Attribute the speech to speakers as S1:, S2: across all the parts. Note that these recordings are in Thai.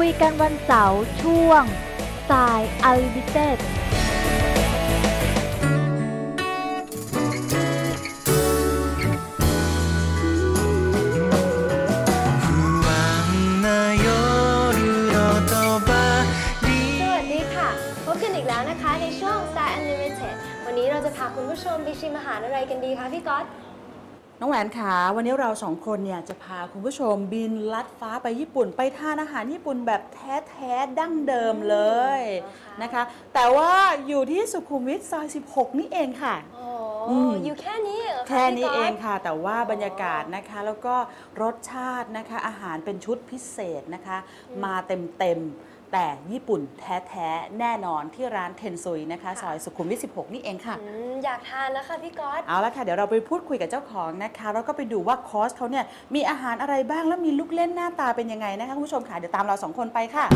S1: ยกันวันเสาร์ช่วงสายอัลลิมิเต็ด
S2: ในช่วง Star Unlimited วันนี้เราจะพาคุณผู้ชมไปชิมอาหารอะไรกันดีคะพี่ก๊อต
S3: น้องแหวนขาวันนี้เราสองคนเนี่ยจะพาคุณผู้ชมบินลัดฟ้าไปญี่ปุ่นไปทานอาหารญี่ปุ่นแบบแท้ๆดั้งเดิมเลยนะคะแต่ว่าอยู่ที่สุขุมวิทซอย16นี่เองค่ะ
S2: อยู่แค่นี้เหรอคะ
S3: แค่นี้เองค่ะแต่ว่าบรรยากาศนะคะแล้วก็รสชาตินะคะอาหารเป็นชุดพิเศษนะคะมาเต็มแต่ญี่ปุ่นแท้ๆแน่นอนที่ร้านเทนซุยนะคะซอยสุขุมวิท16นี่เองค่ะ
S2: อยากทานแล้วค่ะพี่ก๊อต
S3: เอาละค่ะเดี๋ยวเราไปพูดคุยกับเจ้าของนะคะแล้วก็ไปดูว่าคอร์สเขาเนี่ยมีอาหารอะไรบ้างแล้วมีลูกเล่นหน้าตาเป็นยังไงนะคะคุณผู้ชมค่ะเดี๋ยวตามเรา2คนไปค่ะ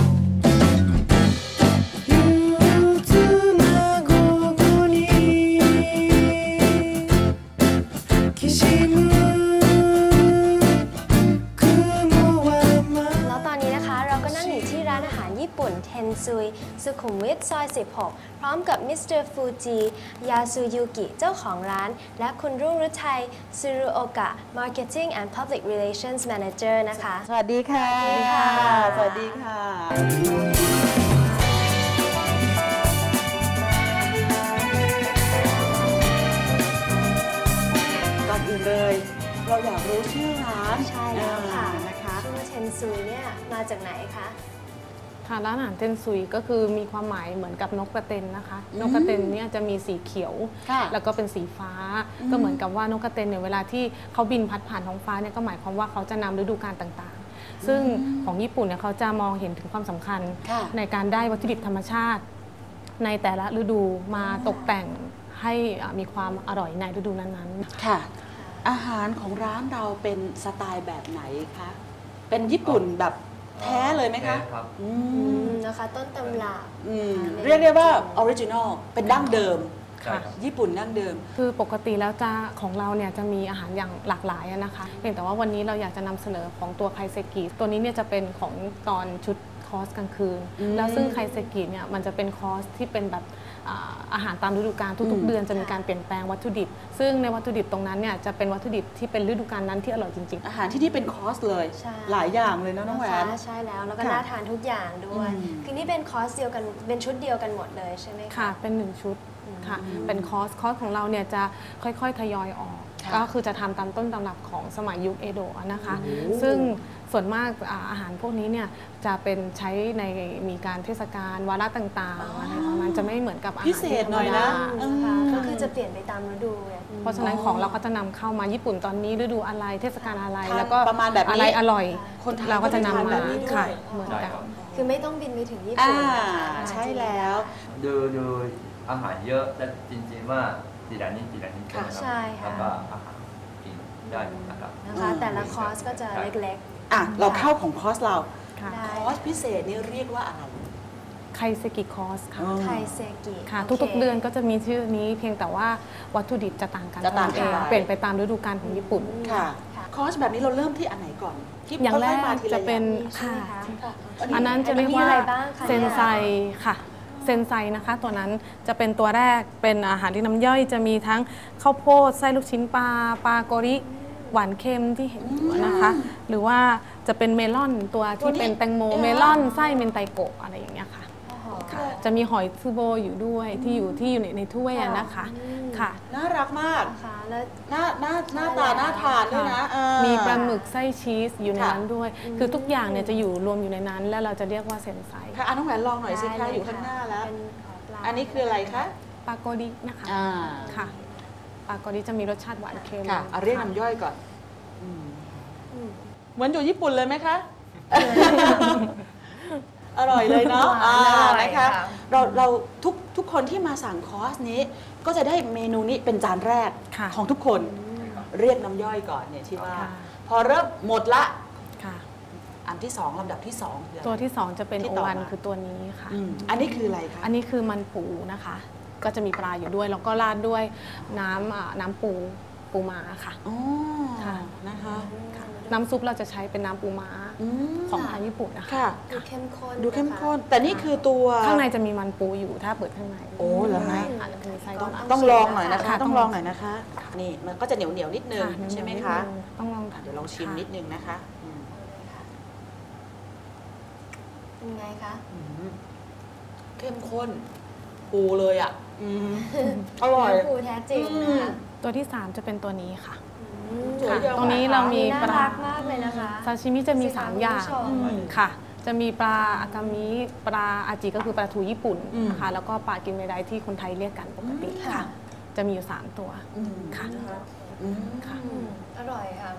S2: ญี่ปุ่นเทนซุยสุขุมวิทซอย16พร้อมกับมิสเตอร์ฟูจิยาสุยุกิเจ้าของร้านและคุณรุ่งฤทัยซูรุโอกะ Marketing and Public Relations Manager นะคะ
S3: สวัสดีค่ะสวัสดีค่ะก่อนอื่นเลยเราอยากรู้ชื่อร้าน
S2: ใช่แล้วค่ะนะคะชื่อว่าเทนซุยเนี่ยมาจากไหนคะ
S4: ร้านอาหารเทนซุยก็คือมีความหมายเหมือนกับนกกระเต็นนะคะนกกระเต็นเนี่ยจะมีสีเขียวแล้วก็เป็นสีฟ้าก็เหมือนกับว่านกกระเต็นเนี่ยเวลาที่เขาบินพัดผ่านท้องฟ้าเนี่ยก็หมายความว่าเขาจะนำฤดูกาลต่างๆซึ่งของญี่ปุ่นเนี่ยเขาจะมองเห็นถึงความสำคัญในการได้วัตถุดิบธรรมชาติในแต่ละฤดูมาตกแต่งให้มีความอร่อยในฤดูนั้นๆ
S3: ค่ะอาหารของร้านเราเป็นสไตล์แบบไหนคะเป็นญี่ปุ่นแบบแท้เลยไหมคะ
S2: นะคะต้นตำรับ
S3: เรียกได้ว่าออริจินอลเป็นดั้งเดิมญี่ปุ่นดั้งเดิม
S4: คือปกติแล้วจะของเราเนี่ยจะมีอาหารอย่างหลากหลายนะคะเพียงแต่ว่าวันนี้เราอยากจะนำเสนอของตัวไคเซกิตัวนี้เนี่ยจะเป็นของตอนชุดคอร์สกลางคืนแล้วซึ่งไคเซกิเนี่ยมันจะเป็นคอร์สที่เป็นแบบอาหารตามฤดูกาลทุกๆเดือนจะมีการเปลี่ยนแปลงวัตถุดิบซึ่งในวัตถุดิบตรงนั้นเนี่ยจะเป็นวัตถุดิบที่เป็นฤดูกาลนั้นที่อร่อยจริง
S3: ๆอาหารที่นี่เป็นคอร์สเลยหลายอย่างเลยนะน้องแหวน
S2: ใช่แล้วแล้วก็น่าทานทุกอย่างด้วยคือนี่เป็นคอร์สเดียวกันเป็นชุดเดียวกันหมดเลยใช่ไหมคะ
S4: ค่ะเป็น1ชุดค่ะเป็นคอร์สของเราเนี่ยจะค่อยๆทยอยออกก็คือจะทำตามต้นตำรับของสมัยยุคเอโดะนะคะซึ่งส่วนมากอาหารพวกนี้เนี่ยจะเป็นใช้ในมีการเทศกาลวาระต่างๆอะไรประมาณจะไม่เหมือนกับอาหาร
S3: พิเศษหน่อยนะ
S2: ก็คือจะเปลี่ยนไปตามฤดู
S4: เพราะฉะนั้นของเราก็จะนำเข้ามาญี่ปุ่นตอนนี้ฤดูอะไรเทศกาลอะไรแล้วก็
S3: ประมาณแบบ
S4: อะไรอร่อยเราก็จะนำมา
S3: ขาย
S4: เหมือนกัน
S2: คือไม่ต้องบินไปถึงญี่ปุ่น
S3: ใช่แล้ว
S5: ดูอาหารเยอะแต่จริงๆว่าทีละนิด
S2: ใช่ค่ะ
S5: แล้วก็อาหารกินได้นะครับ
S2: แต่ละคอร์สก็จะเล็ก
S3: ๆเราเข้าของคอร์สเราคอร์สพิเศษนี่เรียกว่าอะไร
S4: ไคเซกิคอร์สค่ะ
S2: ไคเซกิ
S4: ค่ะทุกๆเดือนก็จะมีชื่อนี้เพียงแต่ว่าวัตถุดิบจะต่างกันเปลี่ยนไปตามฤดูกาลของญี่ปุ่น
S3: ค่ะคอร์สแบบนี้เราเริ่มที่อันไหนก่อน
S4: อย่างแรกจะเป็นค่ะอันนั้นจะเรียกว่าเซนไซค่ะเซนไซนะคะตัวนั้นจะเป็นตัวแรกเป็นอาหารที่น้ำย่อยจะมีทั้งข้าวโพดไส้ลูกชิ้นปลาโกริหวานเค็มที่เห็นนะคะหรือว่าจะเป็นเมลอนตัวที่เป็นแตงโมเมลอนไส้เมนไตโกะอะไรอย่างเงี้ยค่ะจะมีหอยซูโบอยู่ด้วยที่อยู่ในถ้วยนะคะค่ะ
S3: น่ารักมากแล้วหน้าตาน่าทานด้วยนะ
S4: มีปลาหมึกไส้ชีสอยู่ในนั้นด้วยคือทุกอย่างเนี่ยจะอยู่รวมอยู่ในนั้นแล้วเราจะเรียกว่าเซนไซ
S3: ค่ะน้องแหวนลองหน่อยสิคะอยู่ข้างหน้าแล้วอันนี้คืออะไรคะ
S4: ปลาโกรินะคะค่ะปลาโกริจะมีรสชาติหวานเค็ม
S3: ค่ะเรียกน้ำย่อยก่อนเหมือนอยู่ญี่ปุ่นเลยไหมคะอร่อยเลยเนาะนะคะเราทุกคนที่มาสั่งคอร์สนี้ก็จะได้เมนูนี้เป็นจานแรกของทุกคนเรียกน้ำย่อยก่อนเนี่ยที่ว่าพอเริ่มหมดละอันที่2ลำดับที่2
S4: ตัวที่2จะเป็นโอวันคือตัวนี้ค่ะ
S3: อันนี้คืออะไรคะ
S4: อันนี้คือมันปูนะคะก็จะมีปลาอยู่ด้วยแล้วก็ราดด้วยน้ำปูม้าค่ะ
S3: อ๋อค่ะนะคะ
S4: น้ำซุปเราจะใช้เป็นน้ำปูม้าของทางญี่ปุ่นนะคะ
S3: ค่ะ
S2: ดูเข้มข้น
S3: ดูเข้มข้น แต่นี่คือตัว
S4: ข้างในจะมีมันปูอยู่ถ้าเปิดข้างใน
S3: โอ้เหรอคะ
S4: อาจจะมีไส้ด้วย
S3: ต้องลองหน่อยนะคะ
S4: ค่ะ
S3: ต้องลองหน่อยนะคะ นี่มันก็จะเหนียวเหนียวๆนิดนึง
S4: ค่ะ
S3: ใช่ไหมคะ
S4: ต้องลอง
S3: เดี๋ยวลองชิมนิดนึงนะคะอืม
S2: เป็นไงคะ
S3: เข้มข้น ปูเลยอ่ะอร่อย
S2: เนื้อปูแท้จริงนะคะ
S4: ตัวที่ 3 จะเป็นตัวนี้ค่ะ
S3: สวยจัง
S4: ตรงนี้เรามี
S2: น่า
S4: ปลา
S2: รักมากเลยนะคะ
S4: ซาชิมิจะมี 3 อย่าง
S2: คุณผู้ชม
S4: ค่ะ จะมีปลาอากามิปลาอาจิก็คือปลาทูญี่ปุ่นนะคะแล้วก็ปลากิมเมไดที่คนไทยเรียกกันปกติค่ะ จะมีอยู่ 3 ตัวค่ะค่ะ
S2: อร่อยค่ะ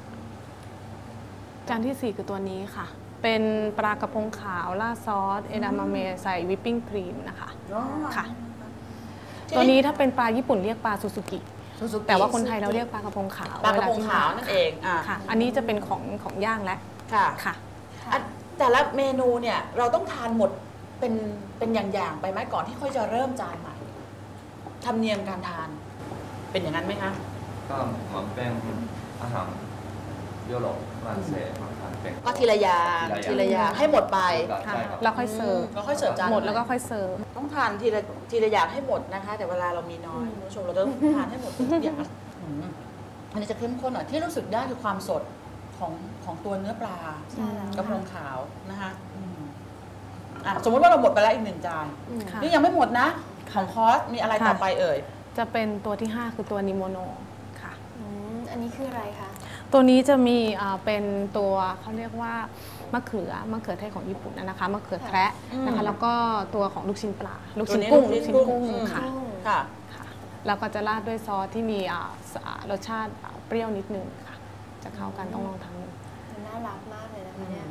S4: จานที่ 4 คือตัวนี้ค่ะ เป็นปลากระพงขาวราดซอสเอดามามะใส่วิปปิ้งครีมนะคะค่ะ ตัวนี้ถ้าเป็นปลาญี่ปุ่นเรียกปลาซูซูกิแต่ว่าคนไทยเราเรียกปลากระพงขาว
S3: ปลากระพงขาวนั่นเองอ่ะ
S4: ค่ะ อันนี้จะเป็นของย่างแล้ว
S3: ค่ะ
S4: ค่ะ
S3: อ่ะแต่ละเมนูเนี่ยเราต้องทานหมดเป็นอย่างๆไปไหมก่อนที่ค่อยจะเริ่มจานใหม่ธรรมเนียมการทาน เป็นอย่างนั้นไหมคะ
S5: ก็เหมือนเป็นอาหารยุโรปฝรั่งเศสมาทานเป็น
S3: ก็ทีละอย่างทีละอย่างให้หมดไป
S5: ใช่ครับ
S4: แล้วค่อยเสิร์ฟ
S3: แล้วค่อยเสิร์ฟจาน
S4: หมดแล้วก็ค่อยเสิร์ฟ
S3: ต้องทานทีละอย่างให้หมดนะคะ แต่เวลาเรามีน้อยคุณผู้ชมเราต้องทานให้หมดทุกอย่างอันนี้จะเข้มข้นหน่อยที่รู้สึกได้คือความสดของตัวเนื้อปลา
S2: ใช่แล้ว
S3: กระพงขาวนะคะสมมติว่าเราหมดไปแล้วอีก1 จาน
S4: ค่ะ
S3: นี่ยังไม่หมดนะ ของคอร์สมีอะไรต่อไปเอ่ย
S4: จะเป็นตัวที่ 5 คือตัวนิโมโนค่ะ
S2: อันนี้คืออะไรคะ
S4: ตัวนี้จะมีเป็นตัวเขาเรียกว่ามะเขือเทศของญี่ปุ่นนะคะมะเขือแคระนะคะแล้วก็ตัวของลูกชิ้นปลาลูกชิ้นกุ้ง
S3: ตัวนี้
S4: ลูกชิ้นกุ้งค่ะ
S3: ค่ะ
S4: ค่ะแล้วก็จะราดด้วยซอสที่มีรสชาติเปรี้ยวนิดนึงค่ะ จะเข้ากันต้องลองทำ
S2: มันน่ารักมากเลยนะคะเนี่ย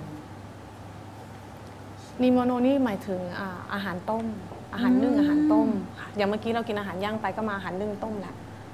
S4: นิโมโนนี่หมายถึงอาหารต้ม อาหารนึ่งอาหารต้มค่ะอย่างเมื่อกี้เรากินอาหารย่างไปก็มาอาหารนึ่งต้มแล้ว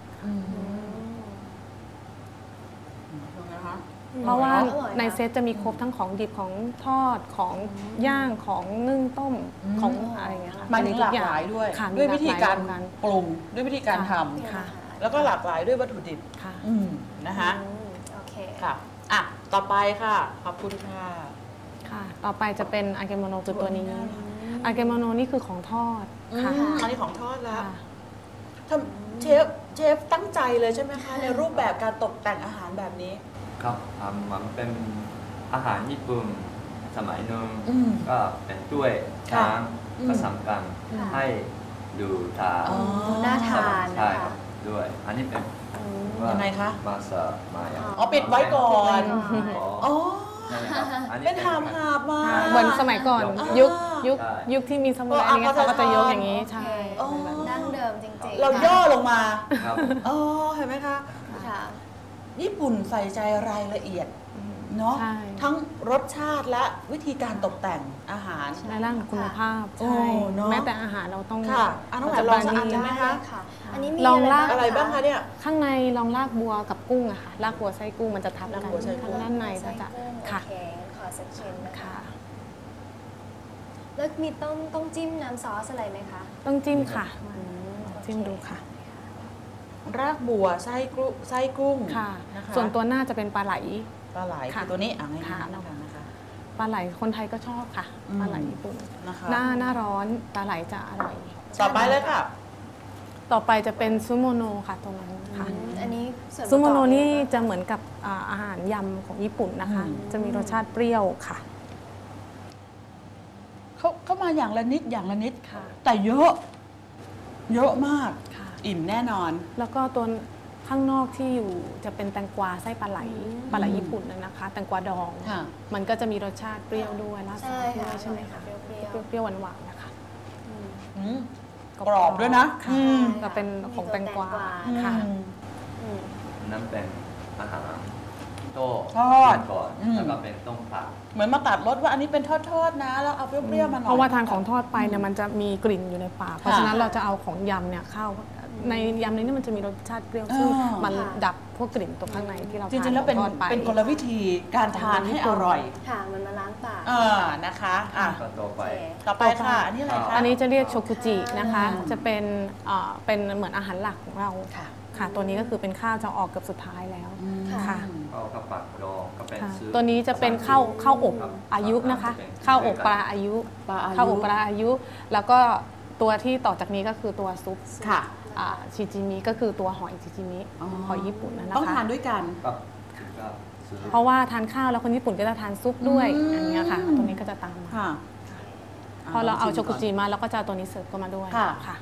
S4: เพราะว่าในเซตจะมีครบทั้งของดิบของทอดของย่างของนึ่งต้มของอะไรอย่างเงี้ยค่ะ
S3: มันหลากหลายด้วย
S4: ค่ะ
S3: ด้วยวิธีการ
S4: มีหลากหลาย
S3: ปรุงด้วยวิธีการท
S4: ค่ะ
S3: ำแล้วก็หลากหลายด้วยวัตถุดิบ
S4: ค่ะ
S3: นะคะ
S2: โอเค
S3: ค่ะอ่ะต่อไปค่ะขอบคุณค่ะ
S4: ค่ะ ต่อไปจะเป็นอาเกโมโนคือตัวนี้อาเกโมโนนี่คือของทอดค่ะ
S3: อันนี้ของทอดแล้ว
S4: ค่ะ
S3: ทำเชฟตั้งใจเลยใช่ไหมคะ ในรูปแบบการตกแต่งอาหารแบบนี้
S5: ครับมันเป็นอาหารญี่ปุ่นสมัยหนึง ก็เป็นถ้วย
S3: ค่ะ
S5: ช้างผสมกัน
S2: ค่ะ
S5: ให้ดูตา
S3: อ๋อ
S2: น่าทาน
S5: ใช่
S2: นะ
S5: ครั
S2: คะ
S5: บด้วย อันนี้เป็นว่า
S3: ยังไงคะ
S5: มาเสิร์ฟมาอย่าง
S3: อ๋อปิดไว้ก่อน อ๋อ
S5: นั่นแหละครับอั
S3: เป็นหามมา
S4: เหมือนสมัยก่อน
S5: ยก
S4: ยุคที่มีสมุนไพรเนี่ยเขาก็จะยกอย่างนี้
S2: โอ
S4: ใช่
S2: เคเป็นแบบดั้งเดิมจริงๆ
S3: เราย่อลงมา
S5: ครับ
S3: อ๋อเห็นไหมคะ
S2: ค่ะ
S3: ญี่ปุ่นใส่ใจรายละเอียดเนาะ
S4: ใช่
S3: ทั้งรสชาติและวิธีการตกแต่งอาหาร
S4: ในร่างคุณภาพ
S3: โอ้
S4: ใช่
S3: เนอะ
S4: แม้แต่อาหารเราต้อง
S3: ค่ะอ่ะน้องหวานลองสักอันได้ไหมคะ
S2: ค่ะ อันนี้มี
S4: ลองลาก
S3: อะไรบ้างคะเนี่ย
S4: ข้างในลองลากบัวกับกุ้งอะค่ะลากบัวไส้กุ้งมันจะทับกัน
S3: ลากบัวไส้กุ้ง
S4: ข้างด้านในก็จะ
S2: ค่ะ
S4: ค่ะ
S2: โอเคงั้นขอสักชิ้นนะคะ
S4: ค่ะ
S2: แล้วมีต้องจิ้มน้ำซอสอะไรไหมคะ
S4: ต้องจิ้มค่ะจิ้มดูค่ะ
S3: รากบัวไส้กุ้ง
S4: ค่ะ
S3: นะคะ
S4: ส่วนตัวหน้าจะเป็นปลาไหล
S3: ปลาไหล
S4: ค่ะ
S3: คือตัวนี้ง่ายๆ
S4: ค่ะ
S3: นะคะนะคะ
S4: ปลาไหลคนไทยก็ชอบค่ะ
S3: อืม
S4: ปลาไหลญี่ปุ่น
S3: นะคะ
S4: หน้าร้อนปลาไหลจะอร่อย
S3: ต่อไปเลยค่ะ
S4: ต่อไปจะเป็นซูโมโนค่ะตรงนั้นค่ะ
S2: อันนี้ส่วนประกอบ
S4: ซูโมโนนี่จะเหมือนกับอาหารยำของญี่ปุ่นนะคะ จะมีรสชาติเปรี้ยวค่ะ
S3: เขามาอย่างละนิดอย่างละนิด
S4: ค่ะ
S3: แต่เยอะมาก
S4: ค่ะ
S3: อิ่มแน่นอน
S4: แล้วก็ตัวข้างนอกที่อยู่จะเป็นแตงกวาไส้ปลาไหลญี่ปุ่นนะคะ แตงกวาดอง
S3: ค่ะ
S4: มันก็จะมีรสชาติเปรี้ยวด้วยราดซอ
S2: ใช่
S4: สด้ว
S2: ค่ะ
S4: ยใช่ไหมคะ
S2: เปรี้ยว
S4: เปรี้ยวๆหวานๆนะคะ
S3: อืมกรอบด้วยนะ
S4: ค่ะ
S3: อืม
S4: ก็เป็นของแตงกวาค่ะ
S3: อืม
S5: นั่นเป็นอาหารโต้
S3: ทอด
S5: กินก่อน
S3: อืม
S5: แล้วก็เป็นต้มผัก
S3: เหมือนมาตัดรสว่าอันนี้เป็นทอดๆนะ แล้วเอาเปรี้ยวๆมาหน่อย
S4: เพราะว่าทานของทอดไปเนี่ยมันจะมีกลิ่นอยู่ในปาก เพราะฉะนั้นเราจะเอาของยำเนี่ยเข้าในยำนี้เนี่ยมันจะมีรสชาติเปรี้ยวซึ่งมันดับพวกกลิ่นตรงข้างในที่เรา
S3: จริงๆ แล้วเป็น
S4: ทานของทอดไป
S3: เป็นกลวิธีการทานให้อร่อย
S2: ค่ะ มันมาล้างปาก
S3: นะคะอ่ะ
S5: ก็ต่อไป
S3: ต่อไปค่ะ อันนี้อะไรคะ
S4: อันนี้จะเรียกโชกุจินะคะ จะเป็นเหมือนอาหารหลักของเรา
S3: ค่ะ
S4: ค่ะ ตัวนี้ก็คือเป็นข้าวจะออกเกือบสุดท้ายแล้ว
S2: ค่ะ
S4: ค่ะ
S5: อข้าวผัดดองก็เป็นซุป
S4: ตัวนี้จะเป็นข้าวอบอายุนะคะข้าวอบปลาอายุข้าวอบปลาอายุ แล้วก็ตัวที่ต่อจากนี้ก็คือตัวซุป
S3: ค่ะ
S4: ชิจิมิก็คือตัวหอยชิจิมิหอยญี่ปุ่นนะคะ
S3: ต้องทานด้วยกัน
S5: ครับก็ซุป
S4: เพราะว่าทานข้าวแล้วคนญี่ปุ่นก็จะทานซุปด้วยอย่างเงี้ยค่ะตัวนี้ก็จะตามมา
S3: ค่ะ
S4: พอเราเอาโชกุจิมาแล้วก็จะเอาตัวนี้เสิร์ฟเข้ามาด้วย
S3: ค่ะ
S4: ค่ะ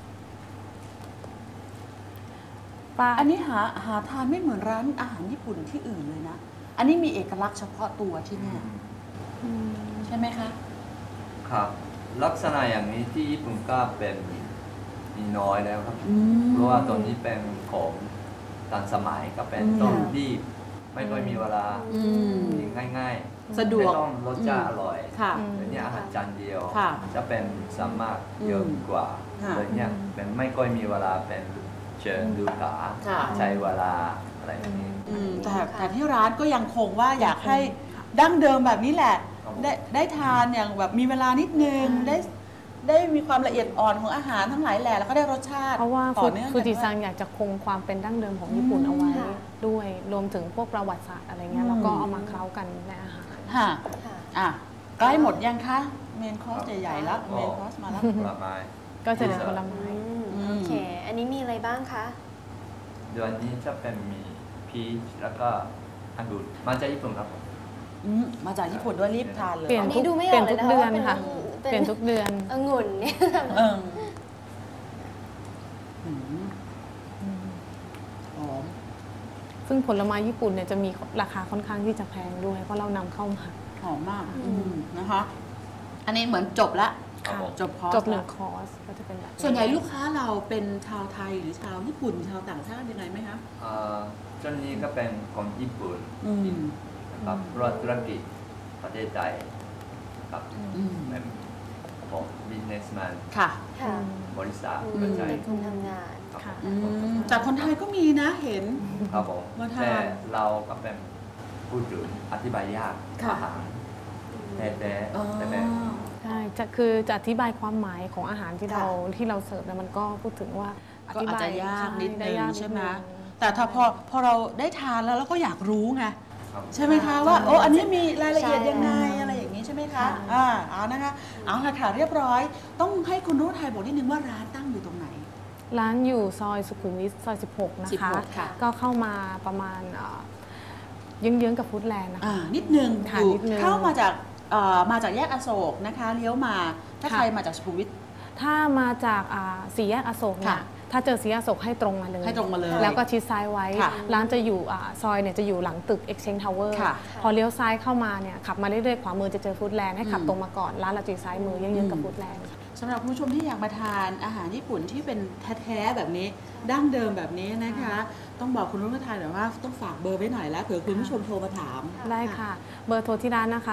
S3: อันนี้หาทานไม่เหมือนร้านอาหารญี่ปุ่นที่อื่นเลยนะ อันนี้มีเอกลักษณ์เฉพาะตัวที่นี่ใช่ไหมคะ
S5: ครับลักษณะอย่างนี้ที่ญี่ปุ่นก็เป็นมีน้อยแล้วครับ
S3: อืม
S5: เพราะว่าตัวนี้เป็นของทันสมัยก็เป็นต้องรีบไม่ค่อยมีเวลา
S3: อืม
S5: ง่าย
S3: สะดวก
S5: ไม่ต้องรสชาติอร่อย
S3: ค่ะ
S5: เดี๋ยวนี้อาหารจานเดียว
S3: ค่ะ
S5: จะเป็นสามารถเยอะกว่า
S3: ค่ะ
S5: เดี๋ยวนี้เป็นไม่ค่อยมีเวลาเป็นเชิญดูขา
S3: ค่ะ
S5: ใช้เวลาอะไรอย่างนี้
S3: แต่ที่ร้านก็ยังคงว่าอยากให้ดั้งเดิมแบบนี้แหละ
S5: ครับ
S3: ได้ทานอย่างแบบมีเวลานิดนึงได้มีความละเอียดอ่อนของอาหารทั้งหลายแหละแล้วก็ได้รสชาติ
S4: เพราะว่า
S3: ต่อเนื่อง
S4: ฟูจิซัง
S3: กันด้วย
S4: อยากจะคงความเป็นดั้งเดิมของญี่ปุ่นเอาไว้
S2: ค่ะ
S4: ด้วยรวมถึงพวกประวัติศาสตร์อะไรเงี้ยแล้วก็เอามาเคล้ากันในอาหาร
S3: ค่ะ
S2: ค่ะ
S3: อ่ะใกล้หมดยังคะเมนคอร์สใหญ่ๆแล้วเมนคอร์สมาแล้ว
S5: ผลไม้
S4: ก็จะเหลือผลไม้
S2: โอเค อันนี้มีอะไรบ้างคะ
S5: เดือนนี้จะเป็นมีพีชแล้วก็องุ่นมาจากญี่ปุ่นครับผม
S3: มาจากญี่ปุ่นด้วยรีบทานเลย
S4: เปลี่ยน
S2: อันนี้
S4: ทุก
S2: ดูไม่อ
S4: เปลี่
S2: อย ก
S4: น
S2: เลย
S4: ทุก
S2: นะคะ
S4: เดือน
S2: ว่า
S4: ค่ะ
S2: เป็น
S4: เปลี่ยนทุกเดือน
S2: องุ่นเนี่ย
S3: เออหอม
S4: ซึ่งผลไม้ญี่ปุ่นเนี่ยจะมีราคาค่อนข้างที่จะแพงด้วย เพราะเรานำเข้ามา
S3: หอมมากนะคะ อันนี้เหมือนจบละ
S5: ครับผม
S3: จบคอร์ส
S4: จบหนึ่
S3: ละ
S4: งคอร์สก็จะเป็นแบบ
S3: ส่วนใหญ่ลูกค้าเราเป็นชาวไทยหรือชาวญี่ปุ่นชาวต่างชาติยังไงไหมคะ
S5: ช่วงนี้ก็เป็นคนญี่ปุ่น นะครับรถธุรกิจประเทศไทยครับเป็นของ businessman
S3: ค่ะ
S2: ค่ะ
S5: บริษัท
S2: อืม
S5: กระจาย
S2: เป็นคนทำงาน
S5: ครับ
S4: ค่ะ
S3: จากคนไทยก็มีนะเห็น
S5: ครับผม
S3: มาทาน
S5: แต่เราก็เป็นพูดถึงอธิบายยาก
S3: ค่ะ
S5: อาหารแท้ๆแต่แบบ
S4: ใช่คือจะอธิบายความหมายของอาหารที่
S3: ค่ะ
S4: เราเสิร์ฟเนี่ยมันก็พูดถึงว่า
S3: ก็อาจจะยากนิดนึง
S4: ยาก
S3: ใช่ไหม
S4: นิดนึง
S3: แต่ถ้าพอเราได้ทานแล้วเราก็อยากรู้ไง
S5: ครับ
S3: ใช่ไหมคะว่าโอ้อันนี้มีรายละเอียดยังไงอะไรอย่างนี้ใช่ไหมคะเอานะคะเอาละค่ะเรียบร้อย ต้องให้คุณรุ่งไทยบอกนิดนึงว่าร้านตั้งอยู่ตรงไหน
S4: ร้านอยู่ซอยสุขุมวิทซอย 16 นะคะ
S3: 16ค่ะ
S4: ก็เข้ามาประมาณเยื้องๆกับฟู้ดแลนด์นะคะ
S3: นิดนึง
S4: ค่ะ
S3: อยู่
S4: นิดนึง
S3: เข้ามาจากแยกอโศกนะคะเลี้ยวมาถ้า
S4: ค่ะ
S3: ใครมาจากสุขุมวิท
S4: ถ้ามาจากสี่แยกอโศกเนี่ย
S3: ค่ะ
S4: ถ้าเจอสี่แยกอโศกให้ตรงมาเลย
S3: ให้ตรงมาเลย
S4: แล้วก็ชิดซ้ายไว้
S3: ค่ะ
S4: ร้านจะอยู่ซอยเนี่ยจะอยู่หลังตึก Exchange Tower
S3: ค่ะ
S4: พอเลี้ยวซ้ายเข้ามาเนี่ยขับมาเรื่อยๆขวามือจะเจอฟู้ดแลนด์ให้ขับตรงมาก่อนร้านเราจะอยู่ซ้ายมือเยื้องๆกับฟู้ดแลนด์
S3: สำหรับคุณผู้ชมที่อยากมาทานอาหารญี่ปุ่นที่เป็นแท้ๆแบบนี้ดั้งเดิมแบบนี้นะคะ ต้องบอกคุณรุ่งไทยหน่อยว่าต้องฝากเบอร์ไว้หน่อยแล้วเผื่อคุณผู้ชมโทรมาถาม
S4: ได้ค่ะ เบอร์โทรที่ร้านนะคะ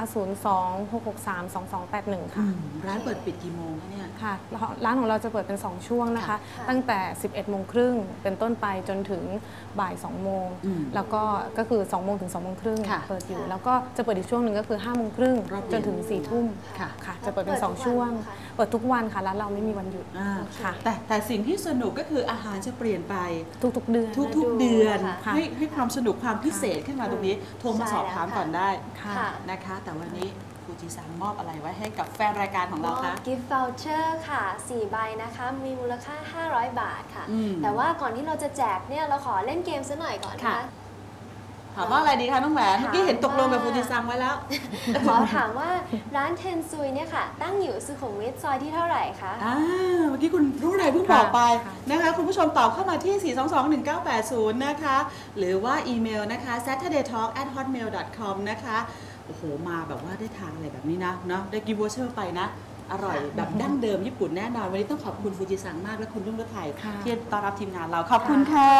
S4: 026632281 ค่ะ
S3: ร้านเปิดปิดกี่โมงคะเนี่ย
S4: ค่ะ ร้านของเราจะเปิดเป็น 2 ช่วงนะคะ
S2: ค่ะ
S4: ตั้งแต่ 11 โมงครึ่งเป็นต้นไปจนถึงบ่าย 2 โมง แล้วก็คือ 2 โมงถึง 2 โมงครึ่ง
S3: ค่ะ
S4: เปิดอยู่ แล้วก็จะเปิดอีกช่วงหนึ่งก็คือ 5 โมงครึ่ง
S3: รอบเย็น
S4: จนถึง 4 ทุ่ม
S3: ค่ะ
S4: ค่ะ จะเปิดเป็น 2 ช่วง เปิดทุกวันค่ะ ร้านเราไม่มีวันหยุด ค่ะ
S3: แต่สิ่งที่สนุกก็คืออาหารจะเปลี่ยนไป
S4: ทุกๆเดือน
S3: ทุกๆเดือน
S4: ค่ะ
S3: ให้ความสนุกความพิเศษขึ้นมาตรงนี้ โทรมาสอบถามก่อนได้
S4: ค่ะ
S2: ค่ะ
S3: นะคะ แต่วันนี้ฟูจิซังมอบอะไรไว้ให้กับแฟนรายการของเราคะ
S2: กิฟต์ voucher ค่ะ 4 ใบนะคะ มีมูลค่า 500 บาทค่ะ
S3: อืม
S2: แต่ว่าก่อนที่เราจะแจกเนี่ย เราขอเล่นเกมซะหน่อยก่อนนะคะ
S3: ถามว่าอะไรดีคะน้องแหวนเมื่อกี้เห็นตกลงกับฟูจิซังไว้แล้ว
S2: ขอถามว่าร้านเทนซุยเนี่ยค่ะ ตั้งอยู่สุขุมวิทซอยที่เท่าไหร่คะ
S3: เมื่อกี้คุณรู้อะไรเพิ่งบอกไป
S4: ค่ะ
S3: นะคะคุณผู้ชมตอบเข้ามาที่ 4221980 นะคะ หรือว่าอีเมลนะคะ saturdaytalk@hotmail.com นะคะโอ้โหมาแบบว่าได้ทานอะไรแบบนี้นะเนาะได้กิฟต์วอเชอร์ไปนะ อร่อยแบบดั้งเดิมญี่ปุ่นแน่นอน วันนี้ต้องขอบคุณฟูจิซังมากและคุณรุ่งฤทัย
S4: ค่ะ
S3: ที่ต้อนรับทีมงานเราขอบคุณค่ะ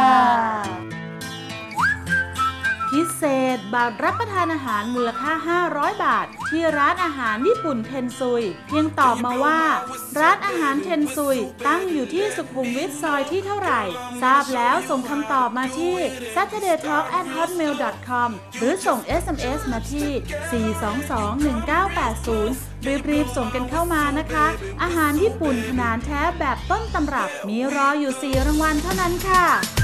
S3: พิเศษบัตรรับประทานอาหารมูลค่า 500 บาท ที่ร้านอาหารญี่ปุ่นเทนซุย เพียงตอบมาว่า ร้านอาหารเทนซุย ตั้งอยู่ที่สุขุมวิทซอยที่เท่าไหร่ ทราบแล้วส่งคำตอบมาที่ saturdaytalk@hotmail.com หรือส่ง SMS มาที่ 4221980 รีบๆส่งกันเข้ามานะคะ อาหารญี่ปุ่นขนาดแท้แบบต้นตำรับ มีรออยู่ 4 รางวัลเท่านั้นค่ะ